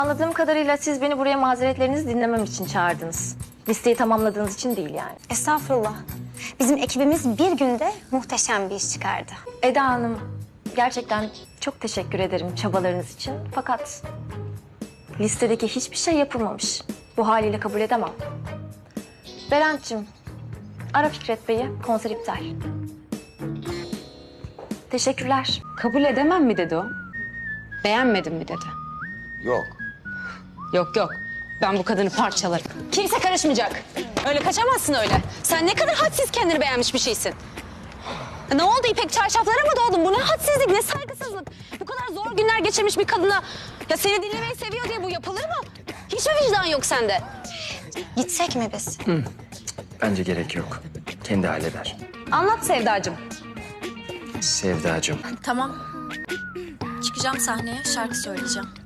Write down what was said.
Anladığım kadarıyla siz beni buraya mazeretlerinizi dinlemem için çağırdınız. Listeyi tamamladığınız için değil yani. Estağfurullah. Bizim ekibimiz bir günde muhteşem bir iş çıkardı. Eda Hanım, gerçekten çok teşekkür ederim çabalarınız için. Fakat listedeki hiçbir şey yapılmamış. Bu haliyle kabul edemem. Berent'cim, ara Fikret Bey'i, konser iptal. Teşekkürler. Kabul edemem mi dedi o? Beğenmedim mi dedi? Yok. Yok. Ben bu kadını parçalarım. Kimse karışmayacak. Öyle kaçamazsın öyle. Sen ne kadar hadsiz kendini beğenmiş bir şeysin. Ne oldu, İpek çarşaflara mı doğdun? Bu ne hadsizlik, ne saygısızlık. Bu kadar zor günler geçirmiş bir kadına... Ya seni dinlemeyi seviyor diye bu yapılır mı? Hiç mi vicdan yok sende? Gitsek mi biz? Bence gerek yok. Kendi halleder. Anlat Sevdacığım. Sevdacığım. Tamam. Çıkacağım sahneye, şarkı söyleyeceğim.